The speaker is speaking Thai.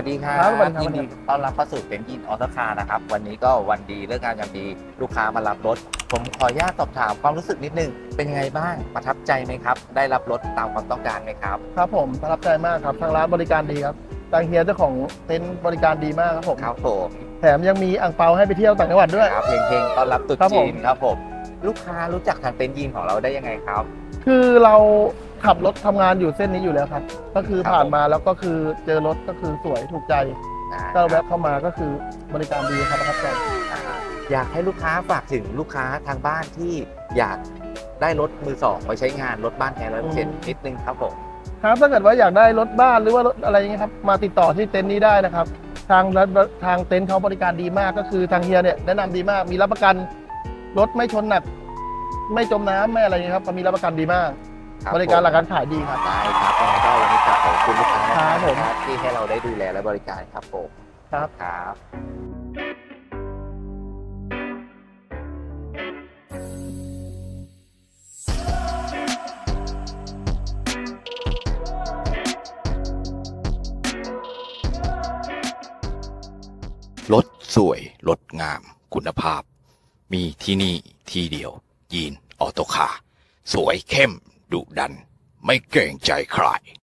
วัสดีครัครับสวัสบดีครับยินดีต้อนรับเข้าสู่เต็นท์ยินออโต้คาร์นะครับวันนี้ก็วันดีเลิกงานยามดีลูกค้ามารับรถผมขออนุญาตสอบถามความรู้สึกนิดนึงเป็นยังไงบ้างประทับใจไหมครับได้รับรถตามความต้องการไหมครับครับผมประทับใจมากครับทางร้านบริการดีครับทางเฮียเจ้าของเต็นท์บริการดีมากครับผมครับผมแถมยังมีอ่างเปาให้ไปเที่ยวต่างจังหวัดด้วยครับเพลงต้อนรับตรุ๊ครับผจีมนครับผมลูกค้ารู้จักทางเต็นท์ยินของเราได้ยังไงครับคือเราขับรถทำงานอยู่เส้นนี้อยู่แล้วครับ ก็คือครับผ่านมาแล้วก็คือเจอรถก็คือสวยถูกใจ ก็ครัแวะบเข้ามาก็คือบริการดีครับประทับใจอยากให้ลูกค้าฝากถึงลูกค้าทางบ้านที่อยากได้รถมือสองไปใช้งานรถบ้านแท้100%นิดนึงครับผมครับถ้าเกิดว่าอยากได้รถบ้านหรือว่ารถอะไรอย่างเงี้ยครับมาติดต่อที่เต็นท์นี้ได้นะครับทางเต็นท์เขาบริการดีมากก็คือทางเฮียเนี่ยแนะนำดีมากมีรับประกันรถไม่ชนหนัก ไม่จมน้ำไม่อะไรอย่างเงี้ยครับมีรับประกันดีมาก บริการหลักการขายดีครับได้ครับยังไงก็วันนี้กลับขอบคุณลูกค้านะคครัรับบผมที่ให้เราได้ดูแลและบริการครับผมครับครับรถสวยรถงามคุณภาพ มีที่นี่ที่เดียว ยีนออโตคาร์สวยเข้มดุดัน ไม่เกรงใจใคร